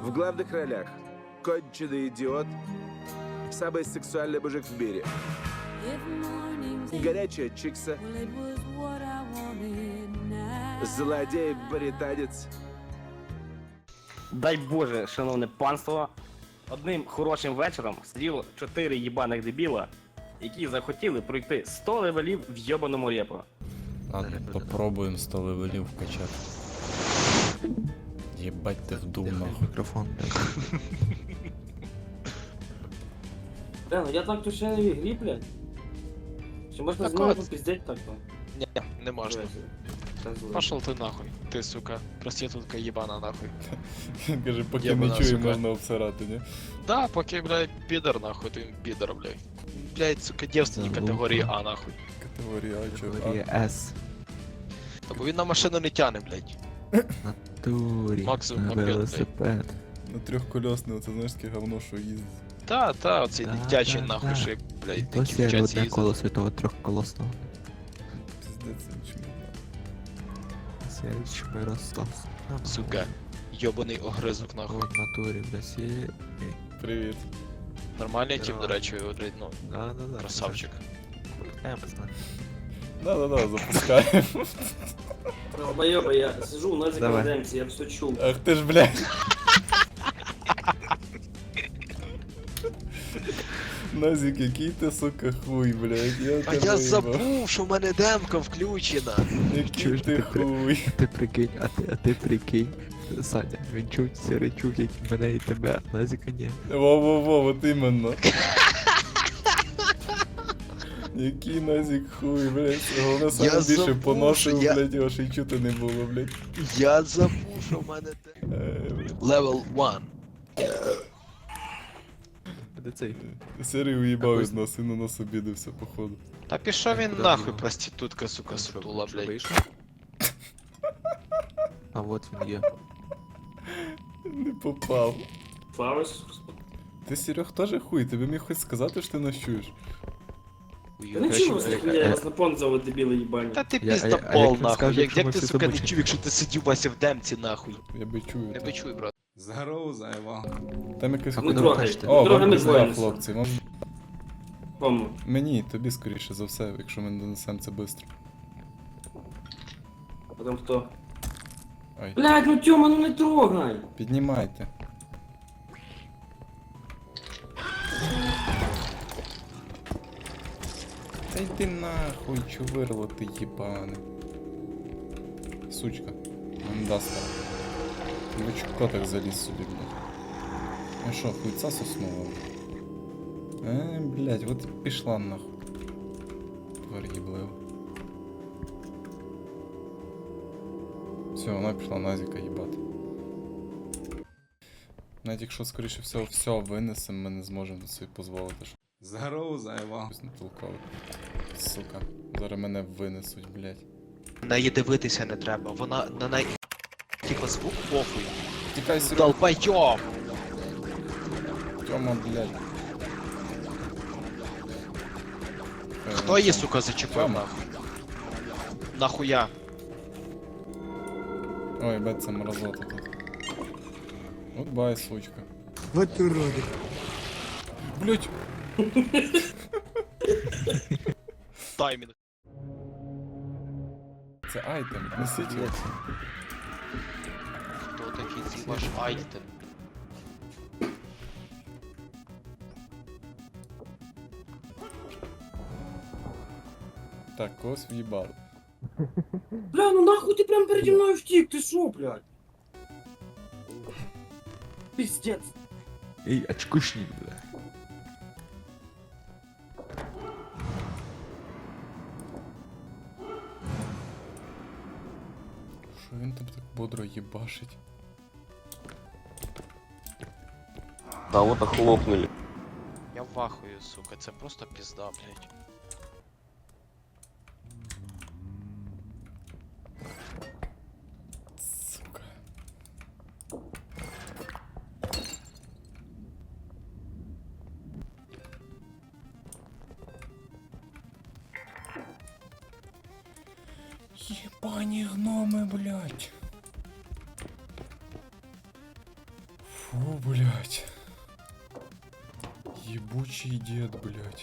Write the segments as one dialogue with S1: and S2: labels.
S1: В главных ролях конченый идиот, самый сексуальный мужик в мире, горячая чикса, злодей-британец.
S2: Дай Боже, шановне панство, одним хорошим вечором сиділо 4 їбаних дебіла, які захотіли пройти 100 левелів в йобаному репо.
S3: Ладно, попробуем 100 левелів вкачати. Єбать ти вдув нахуй.
S4: Мікрофон.
S2: Бля, ну я так то ще не в ігрі, блядь. Чи можна
S5: Так
S2: з мною
S5: от.
S2: попіздеть так-то?
S5: Не, не можна. Пошел ты нахуй, ты, сука, проститутка ебана нахуй.
S3: Він каже, поки не
S5: Єбана,
S3: чую,
S5: сука.
S3: можна обсирати, ні?
S5: Да, поки, блядь, пидор нахуй, ты пидор, блядь. Блядь, сука, девственник
S4: Залупа.
S5: категорії А нахуй.
S3: Категорія А, чого?
S4: Категорія С.
S5: Та бо він на машину не тяне, блядь.
S4: Турі.
S5: Максимум
S4: На
S5: мопед, блядь.
S4: велосипед.
S3: На трьохкольосне, оце знаєш таке говно, що їздить.
S5: Та, оцей
S4: Да,
S5: дитячий
S4: да,
S5: нахуй,
S4: да.
S5: що як, блядь,
S4: Досі
S5: такі
S4: є
S5: вчаться
S4: одне
S5: їздити.
S4: колесо того трьохколосного.
S3: Піздець, чому?
S4: Сергій Мирослав.
S5: Сука, йобаний огризок нахуй.
S4: В натурі, бля, сі.
S3: Привіт.
S5: Нормальний тип,
S4: Здорово.
S5: до речі, блядь, ну,
S4: Да.
S5: красавчик.
S3: Да-да-да, запускаємо.
S2: Долбоёба, я сижу на
S4: Давай.
S2: демці, я все чув.
S3: Ах ти ж, блядь. Назік, який ти, сука, хуй, блядь. Я
S5: А
S3: тебе
S5: я
S3: їбав.
S5: забув, що в мене демка включена.
S3: Який
S4: Чуєш,
S3: ти
S4: ти
S3: хуй.
S4: Ти прикинь, а ти прикинь. Саня, він чув сірий чув, як і мене і тебе, а Назіка ні.
S3: Во-во-во, от іменно. Який Назік хуй, блядь. Головне саме
S5: Я
S3: більше
S5: забув,
S3: поносив,
S5: що я-
S3: блядь, його ще й чути не було, блядь.
S5: Я забув, що в мене Level 1.
S4: Де цей?
S3: Сірий уїбав
S4: Якось-
S3: від нас і на нас обідався, походу.
S5: Та пішов він
S4: Куди
S5: нахуй,
S4: його?
S5: проститутка, сука, сутула, блядь.
S4: Вийшов? А от він є.
S3: Не попав.
S2: Фаус.
S3: Ти, Серег, теж хуй, ти би міг хоч сказати, що ти нас чуєш?
S2: Та не чув вас ніхуя, я вас на понт зовут, дебіли їбані.
S5: Та ти
S4: Я-
S5: пізда
S4: а як
S5: пол,
S4: він
S5: нахуй.
S4: скаже,
S5: Як
S4: якщо ми
S5: ти,
S4: всі
S5: сука, не
S4: замучимо?
S5: чув, якщо ти сидів Вася в демці, нахуй.
S3: Я би чую.
S5: Не
S3: так.
S5: почуй, брат.
S6: Здорово, заєва.
S3: Там якось
S4: А
S2: Не
S4: куди ви
S2: трогай.
S4: хочете?
S3: О,
S2: Трогай
S3: вам
S2: ми
S3: пізда,
S2: двоє.
S3: хлопці.
S2: Кому?
S3: Мені, тобі скоріше за все, якщо ми не донесемо це швидко.
S2: Потім хто?
S3: Ай,
S2: Блядь, ну Тьома, ну не трогай!
S3: піднімайте. Та йди нахуй, чувирло ти їбане. Сучка. Мандаска. Ви чого так заліз сюди, блядь? Ну що, хуйца соснова? Блядь, от і пішла нахуй. Тварь їблива. Все, вона пішла Назіка їбати. Навіть якщо, скоріше всього, все винесемо, ми не зможемо собі дозволити, що
S6: Здорово, заєва.
S3: щось не толково. Сука, зараз мене винесуть, блядь.
S5: На її дивитися не треба, вона на неї... Типа звук похуй.
S3: Тікай, Серега.
S5: Долбайоб!
S3: Тьома, блядь.
S5: Хто її, сука, зачепив,
S3: Тьома.
S5: нахуй? Нахуя?
S3: Ой, бать, це мразота тут. От бай, сучка.
S4: Вот уроди.
S3: Блять!
S5: Таймінг.
S3: Це айтем, несіть його.
S5: Хто такий цей ваш айтем?
S3: Так, когось в'їбали.
S2: Бля, ну нахуй ти прям переді мною втік, ти шо, блядь? Пиздец.
S4: Ей, очкушник, бля.
S3: Що він там так бодро їбашить?
S7: Кого-то хлопнули.
S5: Я вахую, сука, це просто пізда, блядь.
S3: Сука. Ебані гноми, блядь. Фу. блядь. Ебучий дед, блядь.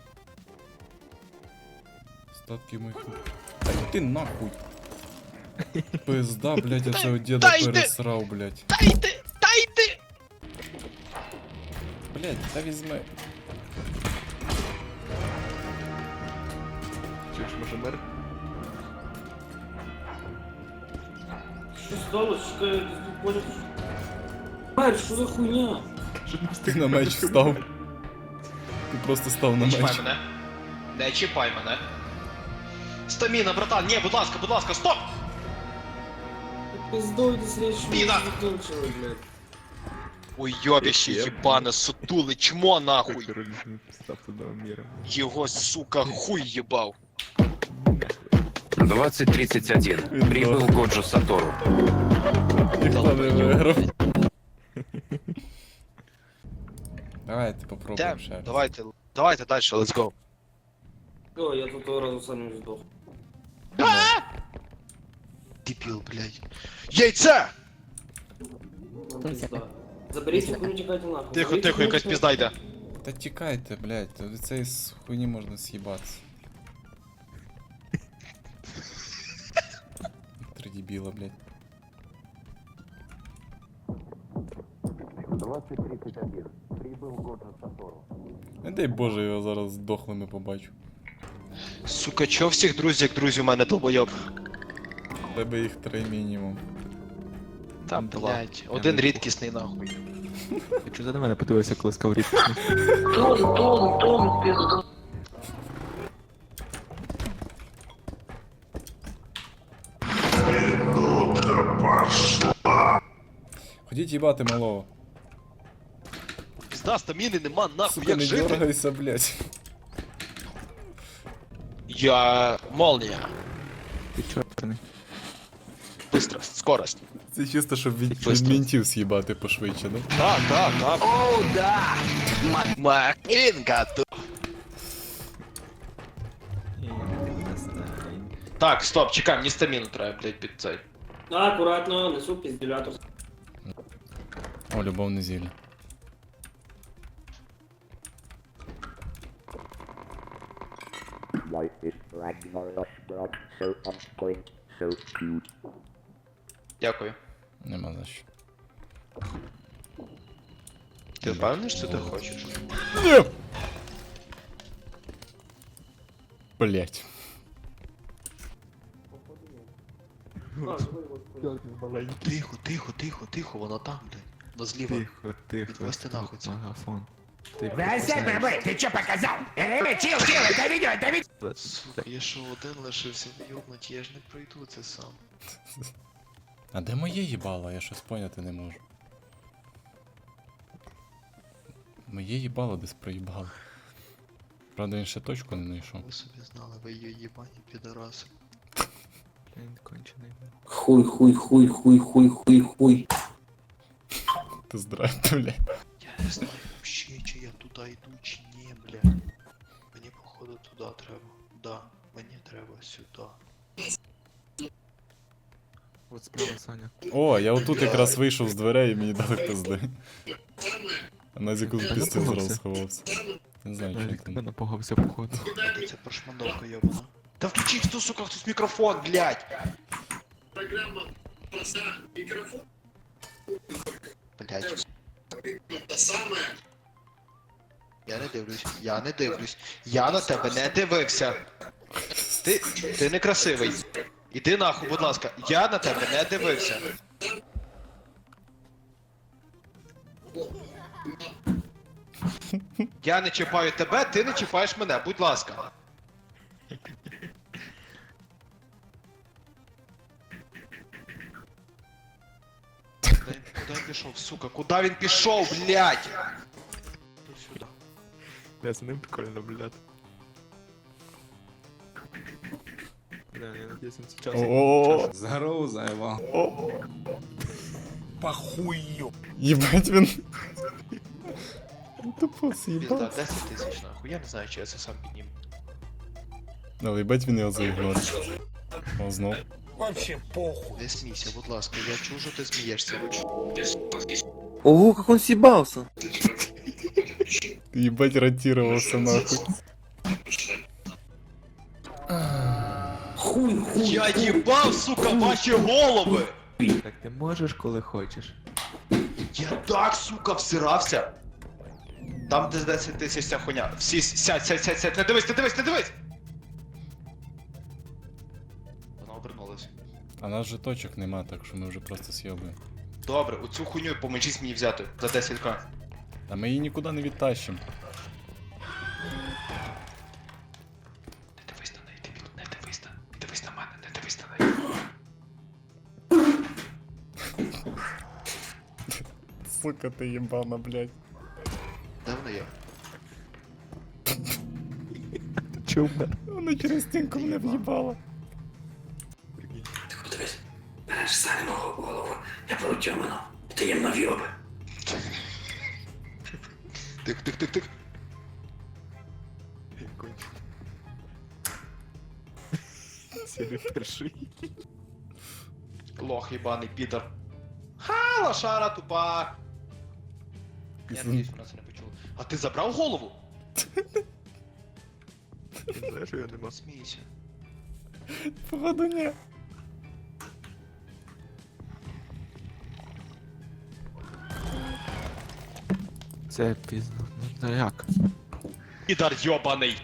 S3: Остатки моих... Та ти нахуй. Пизда, блядь, я цього деда
S5: Та йди!
S3: пересрав, блядь.
S5: Та йди! Та йди!
S3: Блядь, та візьми.
S4: Чуєш, може мер?
S2: Що сталося? Чекай, ти поняв? Мер, що за хуйня?
S3: Ти на меч встав. Ти просто став на
S5: Не чіпай
S3: меч.
S5: мене. Не чіпай мене. Стаміна, братан, ні, будь ласка, стоп!
S2: Пиздой, ти сріч,
S5: Спіна!
S2: закінчили, блядь.
S5: Ой, йобіще, їбане, сутуле, чмо нахуй.
S4: Король став одного міра.
S5: Його, сука, хуй їбав.
S8: 2031. Прибыл Годжо Сатору.
S3: Ніхто не виграв. Давайте попробуємо ще раз.
S5: Давайте дальше, let's go.
S2: О, я тут того разу сам не здох.
S5: Дебіл, блядь. Яйце!
S2: Пизда. Заберіть цю хуйню, тікайте нахуй.
S5: Тихо,
S2: Заберіть
S5: тихо,
S2: цю
S5: якась
S2: хуйню,
S5: пізда йде.
S3: Та тікайте, блядь, від цієї хуйні можна з'їбатися. Три дебіла, блядь.
S8: 2031. Прибыл Годжо Сатору.
S3: Не дай Боже, його зараз здохлими побачу.
S5: Сука, чо всіх друзів, як друзі у мене долбойоб?
S3: В тебе їх 3 мінімум.
S5: Там, блядь, один рідкісний нахуй.
S4: Ти чого на мене подивився, коли сказав рідкісний?
S3: Ходіть їбати малого.
S5: Пізда, стаміни нема, нахуй,
S3: Сука,
S5: як
S3: не
S5: жити?
S3: дергайся, блядь.
S5: Я... молния.
S4: Ти чорний.
S5: Быстро, скорость.
S3: Це чисто, щоб від
S5: Быстро.
S3: мінтів з'їбати пошвидше, да?
S5: Так. О, да! Макінка тут. Так, стоп, чекай, мені стаміну треба, блядь, під цей.
S2: Акуратно, несу піздюлятор.
S3: О, любовне зілля.
S9: Life is Ragnarok, bro. So on point, so cute.
S5: Дякую.
S3: Нема за що.
S5: Ти впевнений, що ти хочеш?
S3: Блять.
S5: Тихо, воно там, блядь. Воно зліва.
S4: Тихо.
S5: Відвести нахуй це.
S4: Магафон. Тихо.
S8: Ты чё показал? Чил, это видео, это видео.
S5: Сука, я що один лишився, йобнуть, я ж не пройду це сам.
S3: А де моє їбало? Я щось поняти не можу. Моє їбало десь проїбало. Правда, він ще точку не знайшов.
S5: Ви собі знали, ви її їбані підараси.
S4: Він кончений.
S2: Хуй.
S3: Ти здрасте, бля.
S5: Я не знаю вообще, чи я туди йду, чи ні, бля. Мені походу туди треба. Да, мені треба сюди.
S4: От справа, Саня.
S3: О, я отут якраз вийшов з дверей і мені дали пизди. А Назіку з пістю зразу сховався. Не знаю,
S4: Я
S3: що
S4: від тебе
S3: там.
S4: напугався, походу.
S5: Це прошмандовка йобана. Та включи хто, сука, хтось мікрофон, блядь! Блядь. Я не дивлюсь. Я на тебе не дивився. Ти некрасивий. Іди нахуй, будь ласка. Я на тебе не дивився. Я не чіпаю тебе, ти не чіпаєш мене, будь ласка. Куди він пішов, сука? Куди він пішов, блядь? Іди сюди.
S4: Я за ним прикольно, блядь. Бля, я надіюсь, він сейчас...
S3: О,
S6: Здорово, Зайва.
S3: їбать він. Тупо
S5: Пізда,
S3: з'їбав.
S5: 10 тисяч нахуй. Я не знаю, чи я це сам підніму.
S3: Але їбать він його заігнорив. О, знов.
S5: Не смійся, будь ласка, я чую, що ти смієшся.
S7: Ого, как он съебался.
S3: Ебать, ротировался нахуй.
S5: Я їбав, сука, ваші голови!
S4: Так ти можеш, коли хочеш.
S5: Я так, сука, всирався. Там де 10 тисяч ця хуйня. Всі сядь, не дивись, не дивись, не дивись! Вона обернулась.
S3: А нас же точок нема, так що ми вже просто с'єбуємо.
S5: Добре, оцю хуйню поможіть мені взяти за 10к.
S3: А ми її нікуди не відтащимо.
S5: Не дивись на неї, дебіл, не дивись на мене, не дивись на неї.
S3: Сука, ти їбана, блядь.
S5: Де вона є?
S4: Чому?
S3: Вона через стінку мене в'їбала.
S8: Подивись, береш Саню мого голову, я беру Тьомину, таємно в'єби.
S5: Тих.
S4: Сірий перший.
S5: Лох єбаний підар. Ха, лошара тупа. Я надіюсь, вона це не почула. А ти забрав голову?
S4: Ти знаєш, що я нема.
S5: Смійся.
S3: Походу, ні.
S4: Це пізно. Ну як?
S5: Підар йобаний.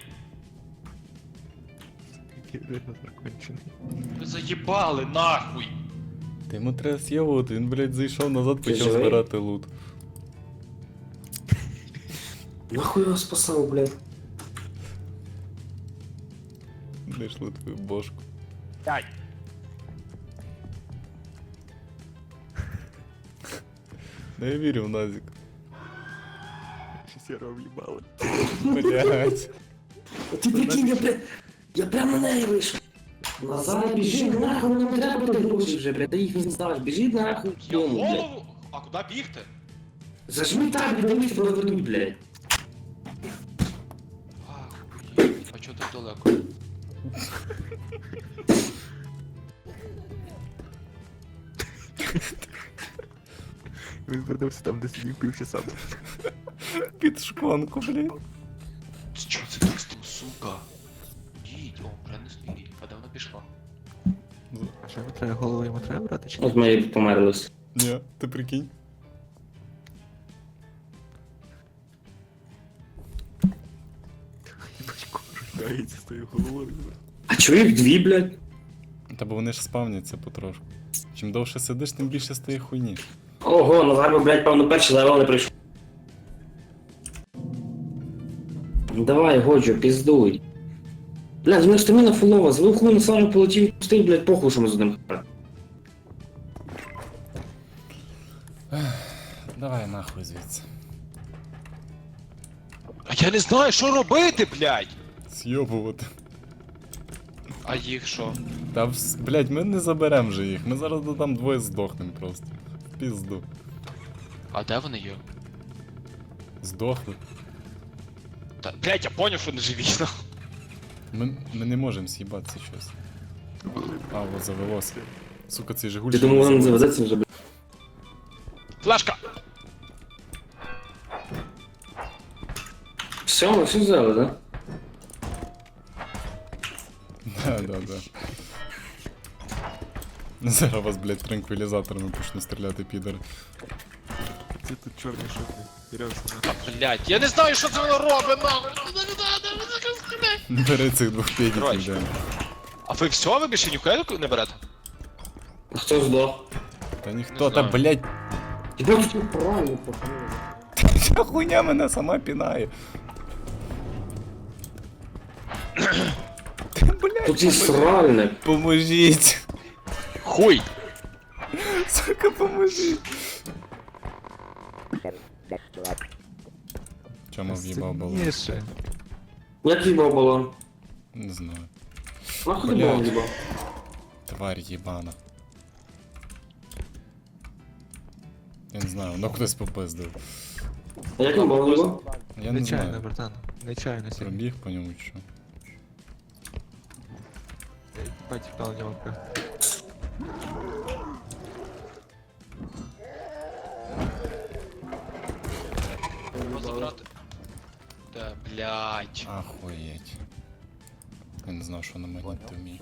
S4: Який вже закончений.
S5: Ви заїбали нахуй.
S3: Та йому треба с'єбувати, він, блядь, зайшов назад,
S8: Ти
S3: почав
S8: живий?
S3: збирати лут.
S8: Нахуй його спасав, блядь.
S3: Знайшли твою бошку.
S2: Ай!
S3: Да я вірю в Назік.
S4: Сірого в'їбали.
S3: Блядь.
S8: Ти прикинь, я прямо на неї вийшов. Назад біжи, нахуй, нам треба буде гроші вже, блядь, та їх не здаш, біжи нахуй,
S5: Я
S8: Тьому, блядь.
S5: голову? А куди бігти?
S8: Зажми так, дивись, проведуть, блядь.
S5: Ахуєть, а чого так далеко?
S4: Він вернувся там, де сидів півчаса.
S3: Під шконку, блядь.
S5: Чого це так стало, сука? Їдь, о, вже не стоїть. А де вона пішла?
S4: А що йому треба, голову йому треба брати чи ні?
S8: От ми померлись.
S3: Ні, ти прикинь.
S4: Бачко, рухається з тою головою.
S8: А чого їх дві, блядь?
S3: Та бо вони ж спавняться потрошку. Чим довше сидиш, тим більше стає хуйні.
S8: Ого, Назар, блядь, певно, перший левел не прийшов. Давай, Годжо, піздуй. Блядь, в мене стаміна фулова, звук хуй на самому полетів, пустий, блядь, похуй, що ми з ним.
S3: Давай нахуй звідси.
S5: А я не знаю, що робити, блядь!
S3: С'йобувати.
S5: А їх що?
S3: Та, блядь, ми не заберем же їх. Ми зараз там двоє здохнем просто. В пізду.
S5: А де вони є?
S3: Здохли.
S5: Та, блядь, я поняв, що не живі.
S3: Ми не можемо з'їбатися щось. А, от завелося. Сука, цей Жигуль.
S8: Ти
S3: ще
S8: думав,
S3: не
S8: воно не
S3: завелося.
S8: завезеться вже, блядь?
S5: Флешка!
S8: Все, ми все взяли, да?
S3: Да. Зараз вас, блядь, транквілізаторами почну стріляти, підери.
S4: Це тут чорний шутний. Серйозно.
S5: Та, блядь, я не знаю, що це воно робить, нахуй!
S3: Бери цих двох педів,
S5: Коротше.
S3: йдемо.
S5: А ви все, ви більше ніхуя не берете?
S8: А хто здох?
S3: Та ніхто,
S5: Не
S3: та,
S5: знаю.
S3: блядь,
S8: Тебе тут правильно похуй.
S3: ця хуйня мене сама пінає. Та, блядь,
S8: Тут і сральник.
S3: поможіть.
S5: Хуй!
S3: Сука, поможіть.
S9: Next up.
S3: Чому в'їбав балон?
S4: Сильніше.
S8: Як їбав балон?
S3: Не знаю.
S8: Нахуй ти
S3: Блядь.
S8: балон їбав?
S3: Тварь їбана. Я не знаю, воно кудись попиздив.
S8: А як він балон їбав?
S3: Я не
S4: Нечайно,
S3: знаю.
S4: братан. Нечайно сильно.
S3: Пробіг по ньому чи що.
S4: Бать, впал нього.
S5: Блять.
S3: Ахуєть. Я не знав, що на мені ти вміє.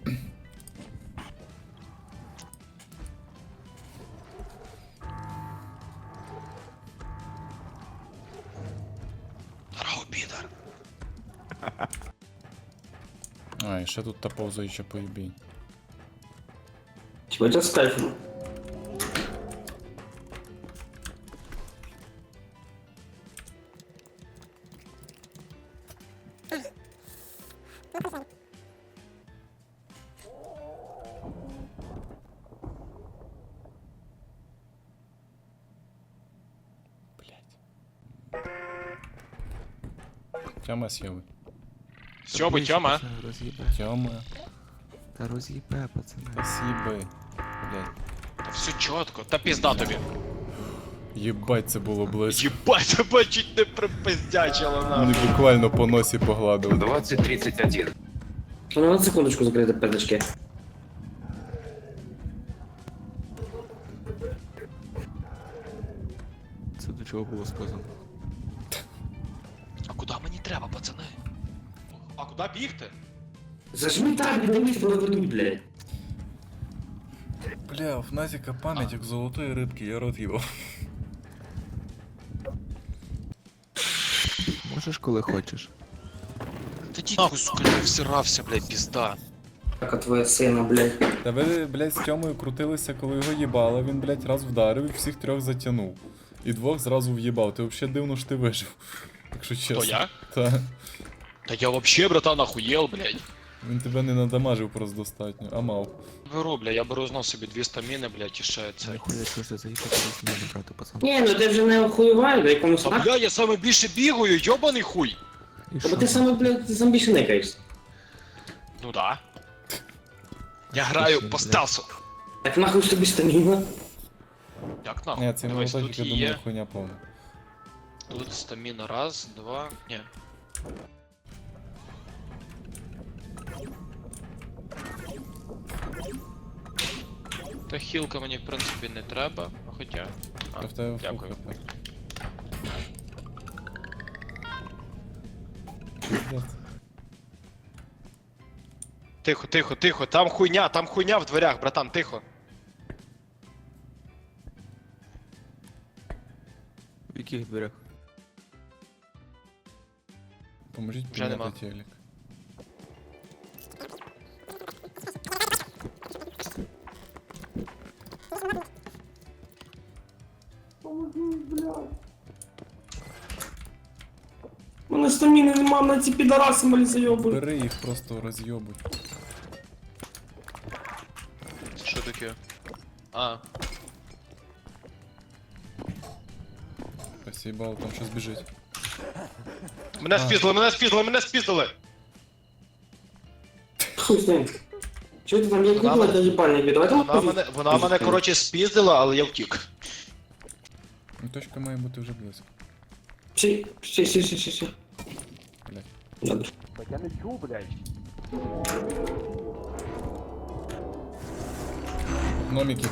S5: Здорово, підар.
S3: А, і ще тут та повзаюча поїбінь.
S8: Чего это с кайфом?
S3: Тьома сєви.
S4: Сьоби, Тьома. Роз'їбе.
S3: Тьома.
S4: Та роз'їбе, пацани.
S3: Спасибо. Блядь.
S5: Та все чітко, та пізда тобі.
S3: Єбать, це було близько.
S5: Єбать, тебе чуть не припиздячило
S3: Мені
S5: нахуй.
S3: буквально по носі погладили.
S7: 2031.
S8: Ну, на секундочку закрыты пяточки.
S4: Це до чого було сказано?
S5: А куди мені треба, пацани? А куди бігти?
S8: Зажми так, не дивись, проведуть, блядь.
S3: Бля, в Назіка пам'ять як золотої рибки, я рот їбав.
S4: Можеш, коли хочеш.
S5: Та ді нахуй, сука, я всирався, блядь, пізда.
S8: Как от твоя сына, блядь.
S3: Та ви, блядь, з Тьомою крутилися, коли його їбало, він, блядь, раз вдарив і всіх трьох затягнув. І двох зразу в'їбав. Ти взагалі дивно що ти вижив. Якщо чесно.
S5: То я?
S3: Та.
S5: Та я вообще, братан, охуєл, блядь.
S3: Він тебе не надамажив просто достатньо, а мав.
S5: Беру, бля, я беру знов собі 2 стаміни, блядь, і ще це.
S4: Ніхуя, що ж заїхати десь мене брати, пацан.
S8: Не, ну ти вже не охуєвай, до якомусь
S5: А бля, я саме більше бігаю, йобаний хуй.
S4: І
S8: Бо ти саме, блядь, ти сам більше никаєшся.
S5: Ну да. Я граю по стелсу.
S8: Так нахуй ж тобі стаміна.
S5: Як нахуй?
S3: Ні, це
S5: Дивись,
S3: молоточок,
S5: тут
S3: я думаю,
S5: є,
S3: хуйня повна.
S5: тут стаміна, раз, два, ні. Та хілка мені, в принципі, не треба, а хоча. А,
S3: Та в тебе
S5: дякую.
S3: фух, Пиздец.
S5: Тихо, тихо, тихо, там хуйня в дверях, братан, тихо.
S4: В яких дверях?
S3: Поможіть
S5: Вже нема.
S3: підняти телек.
S8: У мене стаміни нема, на ці підараси малі зайобують.
S3: Бери їх, просто роз'єбуй.
S5: Що таке? А,
S3: Спасибо, там щось біжить.
S5: мене спіздили, мене спіздили, мене спіздили!
S8: Хуй з ним. Чого ти там є
S5: Вона
S8: кукла
S5: мене-
S8: та їбальники? Давайте
S5: Вона мене, коротше, спіздила, але я втік.
S3: Ну, точка має бути вже близько.
S8: Ще.
S3: Блядь.
S8: Добре.
S2: Так я не чув, блядь.
S3: Гномики.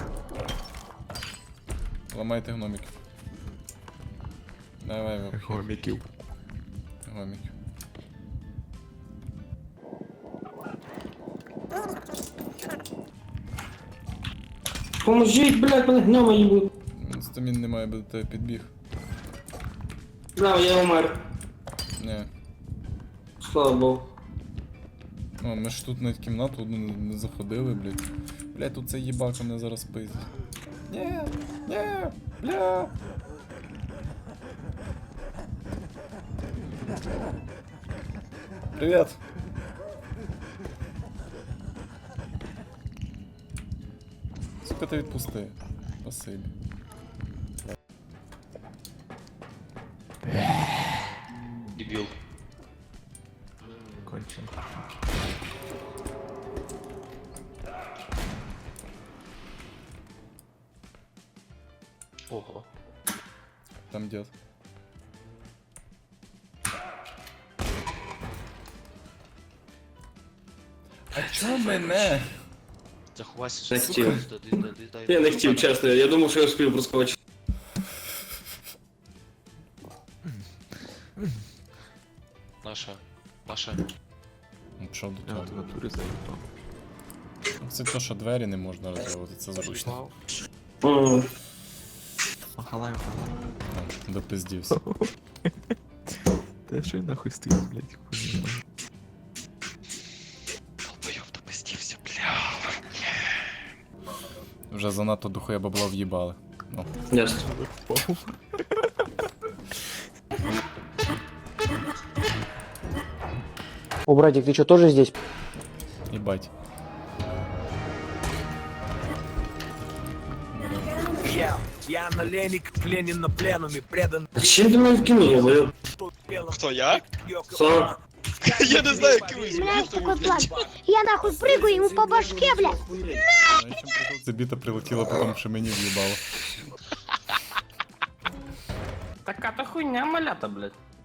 S3: Ламайте гномиків. Давай, вообще.
S4: Гоміків.
S3: Гномиків.
S8: Поможіть, блядь, мене гнома їбуть.
S3: Стамін немає, бо до тебе підбіг.
S8: Браво, я умер.
S3: Не.
S8: Слава Богу.
S3: Ну, ми ж тут навіть кімнату одну не заходили, блядь. Блядь, тут цей їбака мене зараз пиздить. Ні, бля. Привет. Сука, ти відпусти. Спасибі.
S5: Дебіл.
S4: Кончен.
S5: Ого.
S3: Там дед. А чо мене?
S5: Заховайся,
S8: Не
S5: сука.
S8: хотів.
S5: Дай-
S8: Я не хотів, чесно, я думав, що я успів проскочити.
S5: Паша.
S3: Ну, що до
S4: Я
S3: того?
S4: от в натурі заїбав.
S3: Це то, що двері не можна розвивати, це зручно.
S4: Махалай, махалай.
S3: Ну, допиздівся.
S4: Та що я нахуй стою, блядь, хуйня.
S5: Долбойоб допустився, бля.
S3: Вже занадто духуя бабла в'їбали. Ну,
S8: Ясно.
S10: О, братик, ты что, тоже здесь?
S3: їбать.
S1: Я наленник, пленен на пленуме, предан
S8: А чим ти мене вкинув, говорю?
S5: Хто, я?
S8: Сам.
S5: Я не знаю, який
S11: Знаешь, такой план. Я нахуй прыгаю ему по башке, бля.
S3: Знаєш, чим прикол? Це біта прилетіла, потім що мені в'їбало.
S2: Така то хуйня малята, блядь.